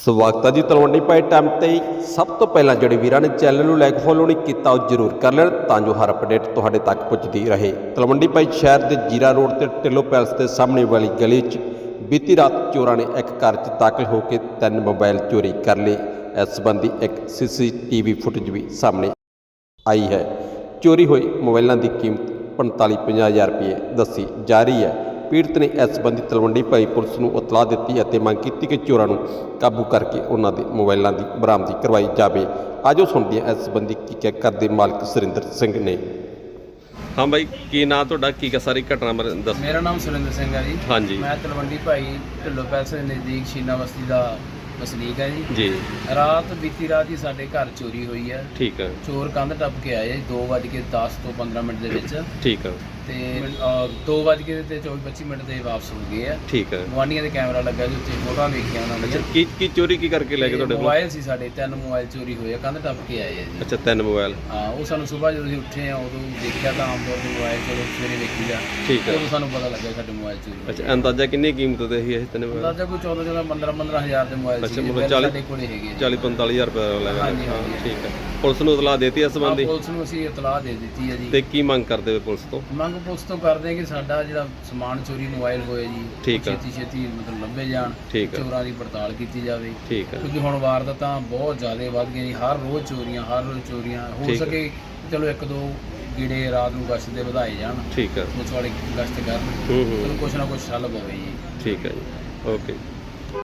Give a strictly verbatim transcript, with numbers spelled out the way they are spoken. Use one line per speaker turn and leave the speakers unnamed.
ਸਵਾਗਤ ਹੈ ਜੀ ਤਲਵੰਡੀ ਪਾਈ ਟਾਈਮ ਤੇ। ਸਭ ਤੋਂ ਪਹਿਲਾਂ ਜਿਹੜੇ ਵੀਰਾਂ ਨੇ ਚੈਨਲ ਨੂੰ ਲਾਈਕ ਫੋਲੋ ਨਹੀਂ ਕੀਤਾ ਉਹ ਜ਼ਰੂਰ ਕਰ ਲੈਣ ਤਾਂ ਜੋ ਹਰ ਅਪਡੇਟ ਤੁਹਾਡੇ ਤੱਕ ਪਹੁੰਚਦੀ ਰਹੇ। ਤਲਵੰਡੀ ਪਾਈ ਸ਼ਹਿਰ ਦੇ ਜੀਰਾ ਰੋਡ ਤੇ ਢਿੱਲੋਂ ਪੈਲਸ ਦੇ ਸਾਹਮਣੇ ਵਾਲੀ ਗਲੀ 'ਚ ਬੀਤੀ ਰਾਤ ਚੋਰਾਂ ਨੇ ਇੱਕ ਘਰ 'ਚ ਦਾਖਲ ਹੋ ਕੇ ਤਿੰਨ ਮੋਬਾਈਲ ਚੋਰੀ ਕਰ ਲਏ। ਇਸ ਸੰਬੰਧੀ ਇੱਕ ਸੀ ਸੀ ਟੀ ਵੀ ਫੁਟੇਜ ਵੀ ਸਾਹਮਣੇ ਆਈ ਹੈ। ਚੋਰੀ ਹੋਏ ਮੋਬਾਈਲਾਂ ਦੀ ਕੀਮਤ ਪੰਤਾਲੀ ਪੰਜਾਹ ਹਜ਼ਾਰ ਰੁਪਏ ਦੱਸੀ ਜਾ ਰਹੀ ਹੈ। ਪੀੜਤ ਨੇ ਇਸ ਸੰਬੰਧੀ ਤਲਵੰਡੀ ਭਾਈ ਪੁਲਿਸ ਨੂੰ ਇਤਲਾਹ ਦਿੱਤੀ ਅਤੇ ਮੰਗ ਕੀਤੀ ਕਿ ਚੋਰਾਂ ਨੂੰ ਕਾਬੂ ਕਰਕੇ ਉਹਨਾਂ ਦੇ ਮੋਬਾਈਲਾਂ ਦੀ ਬਰਾਮਦੀ ਕਰਵਾਈ ਜਾਵੇ। ਆਜੋ ਸੁਣਦੇ ਹਾਂ ਇਸ ਸੰਬੰਧੀ ਕੀ ਕਹਿ ਕਰਦੇ ਮਾਲਕ ਸੁਰਿੰਦਰ ਸਿੰਘ ਨੇ। ਹਾਂ ਬਾਈ, ਕੀ ਨਾਂ ਤੁਹਾਡਾ, ਕੀ ਕਾ ਸਾਰੀ ਘਟਨਾ ਬਾਰੇ ਦੱਸੋ।
ਮੇਰਾ ਨਾਮ ਸੁਰਿੰਦਰ ਸਿੰਘ ਹੈ ਜੀ।
ਹਾਂਜੀ।
ਮੈਂ ਤਲਵੰਡੀ ਭਾਈ ਢਿੱਲੋਂ ਪੈਲਸ ਦੇ ਨਜ਼ਦੀਕ ਸ਼ੀਨਾ ਬਸਤੀ ਦਾ ਵਸਨੀਕ ਹੈ ਜੀ।
ਜੀ। ਰਾਤ
ਬੀਤੀ ਰਾਤ ਹੀ ਸਾਡੇ ਘਰ ਚੋਰੀ ਹੋਈ ਹੈ।
ਠੀਕ ਹੈ।
ਚੋਰ ਕੰਧ ਟੱਪ ਕੇ ਆਏ ਦੋ ਵੱਜ ਕੇ ਦਸ ਤੋਂ ਪੰਦਰਾਂ ਮਿੰਟ ਦੇ ਵਿੱਚ।
ਠੀਕ ਹੈ।
ਤੇ ਦੋ ਵੱਜ ਕੇ ਤੇ ਚੌਵੀ ਪੱਚੀ ਮਿੰਟ ਦੇ ਵਾਪਸ ਹੋ ਗਏ ਆ।
ਠੀਕ ਹੈ।
ਗੁਆਂਢੀਆਂ ਦੇ ਕੈਮਰਾ ਲੱਗਾ ਜੀ, ਉੱਤੇ ਫੋਟੋਆਂ ਵੇਖੀਆਂ ਉਹਨਾਂ ਨੇ।
ਕੀ ਕੀ ਚੋਰੀ ਕੀ ਕਰਕੇ ਲੈ ਗਏ ਤੁਹਾਡੇ ਕੋਲ?
ਮੋਬਾਈਲ ਸੀ ਸਾਡੇ, ਤਿੰਨ ਮੋਬਾਈਲ ਚੋਰੀ ਹੋਏ ਆ, ਕੰਧ ਟੱਪ ਕੇ ਆਏ ਆ ਜੀ।
ਅੱਛਾ, ਤਿੰਨ ਮੋਬਾਈਲ।
ਹਾਂ, ਉਹ ਸਾਨੂੰ ਸਵੇਰ ਜਦੋਂ ਅਸੀਂ ਉੱਠੇ ਆ ਉਦੋਂ ਦੇਖਿਆ ਤਾਂ ਆਮ ਤੌਰ ਤੇ ਮੋਬਾਈਲ ਚਲੋ ਸਵੇਰੇ ਵੇਖੀ ਜਾ।
ਠੀਕ ਹੈ।
ਉਦੋਂ ਸਾਨੂੰ ਪਤਾ ਲੱਗਿਆ ਸਾਡੇ ਮੋਬਾਈਲ ਚੋਰੀ ਹੋਏ।
ਅੱਛਾ, ਅੰਦਾਜ਼ਾ ਕਿੰਨੀ ਕੀਮਤ ਦੇ ਸੀ ਇਹ ਤਿੰਨ ਮੋਬਾਈਲ?
ਅੰਦਾਜ਼ਾ ਕੋਈ ਚੌਦਾਂ ਚੌਦਾਂ ਪੰਦਰਾਂ ਪੰਦਰਾਂ ਹਜ਼ਾਰ ਦੇ ਮੋਬਾਈਲ ਸੀ।
ਅੱਛਾ, ਮਤਲਬ ਚਾਲੀ
ਕੋਲੇ ਹੈਗੇ
ਚਾਲੀ ਪੰਤਾਲੀ ਹਜ਼ਾਰ ਰੁਪਏ ਲੈ ਗਏ।
ਹਾਂਜੀ, ਹਾਂਜੀ।
ਠੀਕ ਹੈ। ਪੁਲਿਸ ਨੂੰ ਇਤਲਾਹ ਦੇਤੀ ਇਸ ਸੰਬੰਧੀ?
ਪੁਲਿਸ ਨੂੰ ਅਸੀਂ ਇਤਲਾਹ ਦੇ ਦਿੱਤੀ ਹੈ ਜੀ।
ਤੇ ਕੀ ਮੰਗ ਕਰਦੇ ਹੋ ਪੁਲਿਸ ਤੋਂ?
ਮੰਗ ਪੁਲਿਸ ਤੋਂ ਕਰਦੇ ਕਿ ਸਾਡਾ ਜਿਹੜਾ ਸਮਾਨ ਚੋਰੀ ਮੋਬਾਈਲ ਹੋਏ ਜੀ,
ਠੀਕ ਹੈ,
ਛੇਤੀ ਛੇਤੀ ਮਤਲਬ ਲੱਭੇ ਜਾਣ।
ਠੀਕ ਹੈ।
ਚੋਰਾਂ ਦੀ ਪੜਤਾਲ ਕੀਤੀ ਜਾਵੇ।
ਠੀਕ ਹੈ।
ਕਿਉਂਕਿ ਹੁਣ ਵਾਰਦਾਤਾਂ ਬਹੁਤ ਜ਼ਿਆਦਾ ਵੱਧ ਗਈਆਂ ਜੀ। ਹਰ ਰੋਜ਼ ਚੋਰੀਆਂ, ਹਰ ਰੋਜ਼ ਚੋਰੀਆਂ ਹੋ ਸਕੇ ਚਲੋ ਇੱਕ ਦੋ ਗੀੜੇ ਰਾਤ ਨੂੰ ਗਸ਼ਤ ਦੇ ਵਧਾਏ ਜਾਣ।
ਠੀਕ ਹੈ।
ਪੁਲਿਸ ਵਾਲੇ ਗਸ਼ਤ ਕਰਨ,
ਹੂੰ ਹੂੰ,
ਕੁਛ ਨਾ ਕੁਛ ਹੱਲ ਪਵੇ ਜੀ।
ਠੀਕ ਹੈ ਜੀ। ਓਕੇ।